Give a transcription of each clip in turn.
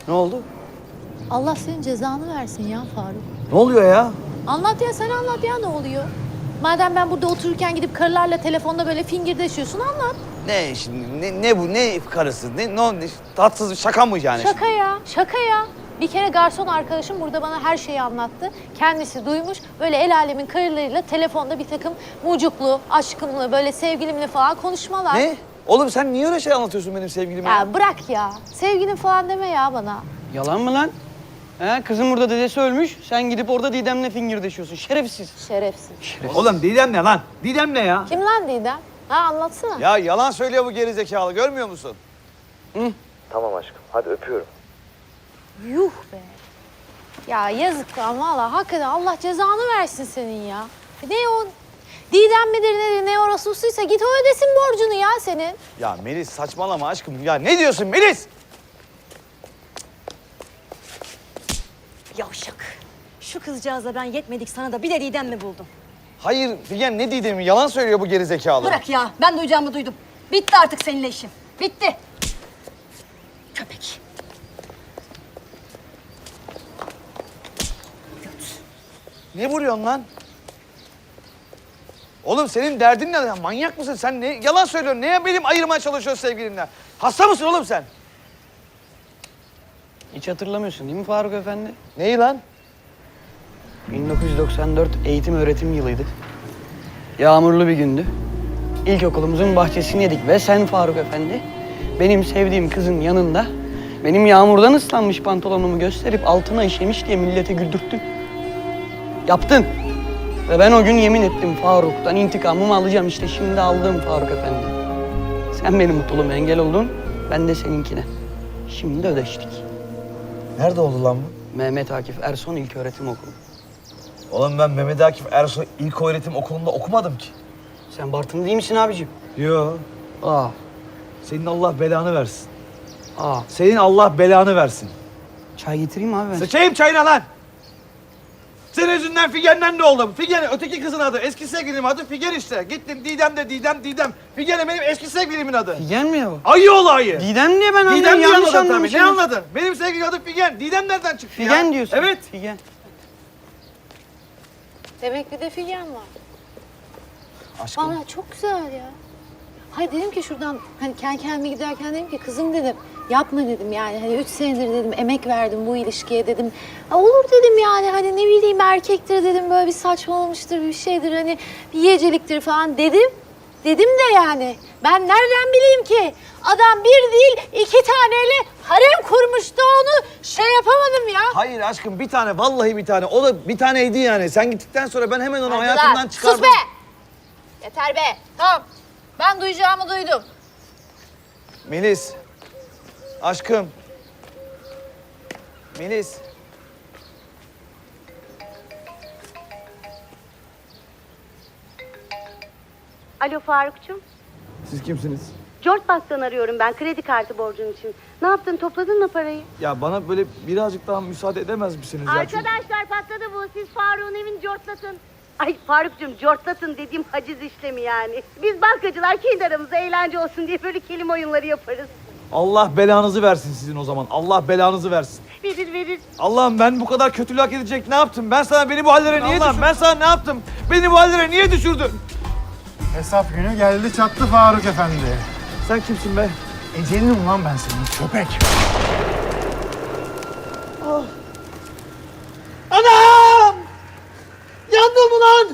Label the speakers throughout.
Speaker 1: Ne oldu?
Speaker 2: Allah senin cezanı versin ya Faruk.
Speaker 1: Ne oluyor ya?
Speaker 2: Anlat ya, sen anlat ya, ne oluyor? Madem ben burada otururken gidip karılarla telefonda böyle fingirdeşiyorsun, anlat.
Speaker 1: Ne şimdi? Ne bu? Ne karısı? Ne tatsız bir şaka mı yani?
Speaker 2: Şaka ya, şaka ya. Bir kere garson arkadaşım burada bana her şeyi anlattı. Kendisi duymuş, böyle el alemin karılarıyla telefonda bir takım mucuklu, aşkımlı, böyle sevgilimli falan konuşmalar.
Speaker 1: Ne? Oğlum sen niye öyle şey anlatıyorsun benim sevgilime?
Speaker 2: Ya bırak ya, sevgilim falan deme ya bana.
Speaker 3: Yalan mı lan? He, kızın burada dedesi ölmüş. Sen gidip orada Didem'le fingirdeşiyorsun. Şerefsiz.
Speaker 2: Şerefsiz.
Speaker 1: Oğlum Didem ne lan? Didem ne ya?
Speaker 2: Kim lan Didem? Ha, anlatsana.
Speaker 1: Ya yalan söylüyor bu gerizekalı, görmüyor musun?
Speaker 4: Tamam aşkım, hadi öpüyorum.
Speaker 2: Yuh be. Ya yazık lan valla, hakikaten Allah cezanı versin senin ya. Ne o? Didem midir nedir, ne orası usulüyse git o ödesin borcunu ya senin.
Speaker 1: Ya Melis saçmalama aşkım. Ya ne diyorsun Melis?
Speaker 5: Yavşak. Şu kızcağızla ben yetmedik sana da bir de Didem mi buldum?
Speaker 1: Hayır Figen ne Didem'i? Yalan söylüyor bu gerizekalı.
Speaker 5: Bırak ya, ben duyacağımı duydum. Bitti artık seninle işim. Bitti. Köpek.
Speaker 1: Ne vuruyorsun lan? Oğlum senin derdin ne? Ya manyak mısın sen? Ne yalan söylüyorsun? Neye benim ayırmaya çalışıyorsun sevgilimle? Hasta mısın oğlum sen?
Speaker 3: Hiç hatırlamıyorsun değil mi Faruk Efendi?
Speaker 1: Neyi lan?
Speaker 3: 1994 eğitim öğretim yılıydı. Yağmurlu bir gündü. İlkokulumuzun bahçesini yedik ve sen Faruk Efendi benim sevdiğim kızın yanında benim yağmurdan ıslanmış pantolonumu gösterip altına işemiş diye millete güldürttün. Yaptın. Ve ben o gün yemin ettim Faruk'tan intikamımı alacağım, işte şimdi aldım Faruk Efendi. Sen benim mutluluğuma engel oldun, ben de seninkine. Şimdi ödeştik.
Speaker 1: Nerede oldu lan bu?
Speaker 3: Mehmet Akif Erson İlköğretim Okulu.
Speaker 1: Oğlum ben Mehmet Akif Ersoy İlköğretim Okulu'nda okumadım ki.
Speaker 3: Sen Bartın değil misin abicim?
Speaker 1: Yo.
Speaker 3: Aa,
Speaker 1: Senin Allah belanı versin.
Speaker 3: aa.
Speaker 1: Senin Allah belanı versin.
Speaker 3: Çay getireyim abi ben.
Speaker 1: Sıçayım çayına lan! Senin yüzünden Figen'den ne oldu? Figen öteki kızın adı. Eski sevgilimin adı Figen işte. Gittin Didem de Didem. Figen de benim eski sevgilimin adı.
Speaker 3: Figen mi ya bu?
Speaker 1: Ayı olayı.
Speaker 3: Didem diye ben anladım.
Speaker 1: Didem diye
Speaker 3: Yanlış
Speaker 1: anladın tabii.
Speaker 3: anlamışım.
Speaker 1: Ne anladın? Benim sevgilim adı Figen. Didem nereden çıktı ya?
Speaker 3: Figen diyorsun.
Speaker 1: Evet.
Speaker 3: Figen.
Speaker 2: Demek bir de Figen var.
Speaker 1: Aşkım.
Speaker 2: Valla çok güzel ya. Hayır dedim ki şuradan hani kendi kendime giderken dedim ki kızım dedim yapma dedim yani hani 3 senedir dedim emek verdim bu ilişkiye dedim. Ha, olur dedim yani hani ne bileyim erkektir dedim böyle bir saçmalamıştır bir şeydir hani bir yiyeceliktir falan dedim. Dedim de yani ben nereden bileyim ki adam bir değil 2 taneyle harem kurmuştu onu şey yapamadım ya.
Speaker 1: Hayır aşkım bir tane vallahi bir tane. O da bir taneydi yani. Sen gittikten sonra ben hemen onu
Speaker 2: Hadi
Speaker 1: hayatımdan
Speaker 2: lan,
Speaker 1: çıkardım.
Speaker 2: sus be! Yeter be tamam ben duyacağımı duydum.
Speaker 1: Melis. Aşkım. Melis.
Speaker 6: Alo Farukcuğum.
Speaker 1: Siz kimsiniz?
Speaker 6: George Bank'tan arıyorum ben kredi kartı borcun için. Ne yaptın, topladın mı parayı?
Speaker 1: Ya bana böyle birazcık daha müsaade edemez misiniz ya? Çünkü-
Speaker 6: Arkadaşlar patladı bu. Siz Faruk'un evini cortlatın. Ay Farukcuğum cortlatın dediğim haciz işlemi yani. Biz bankacılar kendi aramızda eğlence olsun diye böyle kelime oyunları yaparız.
Speaker 1: Allah belanızı versin sizin o zaman. Allah belanızı versin.
Speaker 6: Verir.
Speaker 1: Allah'ım ben bu kadar kötülük hak edecek ne yaptım? Ben sana beni bu hallere niye düşürdüm? Ben sana ne yaptım? Beni bu hallere niye düşürdün?
Speaker 7: Hesap günü geldi çattı Faruk Efendi.
Speaker 1: Sen kimsin be?
Speaker 7: Ecelinim lan ben senin köpek.
Speaker 1: Anam! Yandım ulan!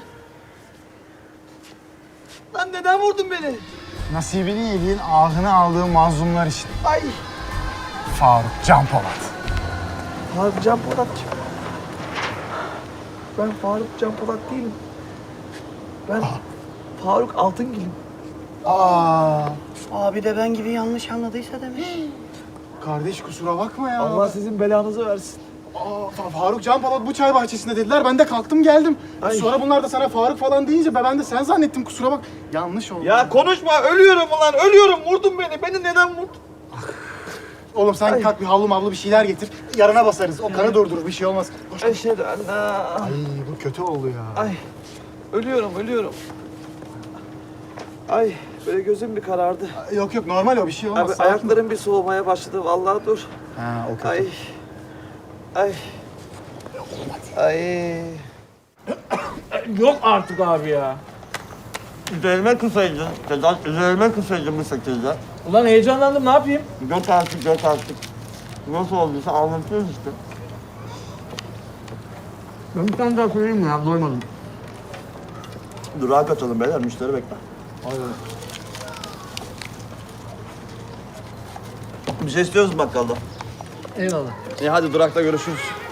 Speaker 1: Lan neden vurdun beni?
Speaker 7: Nasibini yediğin ahını aldığın mazlumlar için.
Speaker 1: Ay!
Speaker 7: Faruk Can Polat.
Speaker 1: Faruk Can Polat kim? Ben Faruk Can Polat değilim. Ben Faruk Altıngil'im.
Speaker 7: Aa,
Speaker 3: Abi de ben gibi yanlış anladıysa demiş.
Speaker 7: kardeş kusura bakma ya.
Speaker 1: Allah sizin belanızı versin.
Speaker 7: Faruk Can Polat bu çay bahçesinde dediler. Ben de kalktım geldim.
Speaker 1: Ay.
Speaker 7: Sonra bunlar da sana Faruk falan deyince ben de sen zannettim kusura bak. Yanlış oldu.
Speaker 1: Ya konuşma, ölüyorum ulan, ölüyorum. Vurdun beni. Beni neden vurdun?
Speaker 7: Oğlum sen kalk bir havlu mavlu bir şeyler getir. Yarına basarız. O kanı durdurur bir şey olmaz. Koş.
Speaker 1: Eşhedü en la-
Speaker 7: Ay bu kötü oldu ya.
Speaker 1: Ay, ölüyorum. Ay, Böyle gözüm bir karardı.
Speaker 7: Yok yok normal o bir şey olmaz.
Speaker 1: Abi
Speaker 7: sakin ol.
Speaker 1: ayaklarım bir soğumaya başladı. Vallahi dur.
Speaker 7: Ha o kötü.
Speaker 1: Ay. Ay. Ay.
Speaker 8: Yok artık abi ya.
Speaker 9: Üzerime kısaydın. Sedat üzerime kısaydın bu şekilde.
Speaker 8: Ulan heyecanlandım ne yapayım?
Speaker 9: Göt artık, göt artık. Nasıl olduysa anlatıyoruz işte. Ben bir tane daha söyleyeyim mi ya? Doymadım.
Speaker 1: Durağa kaçalım beyler. Müşteri bekler. Bir şey istiyoruz bakkalda.
Speaker 8: Eyvallah.
Speaker 1: İyi hadi durakta görüşürüz.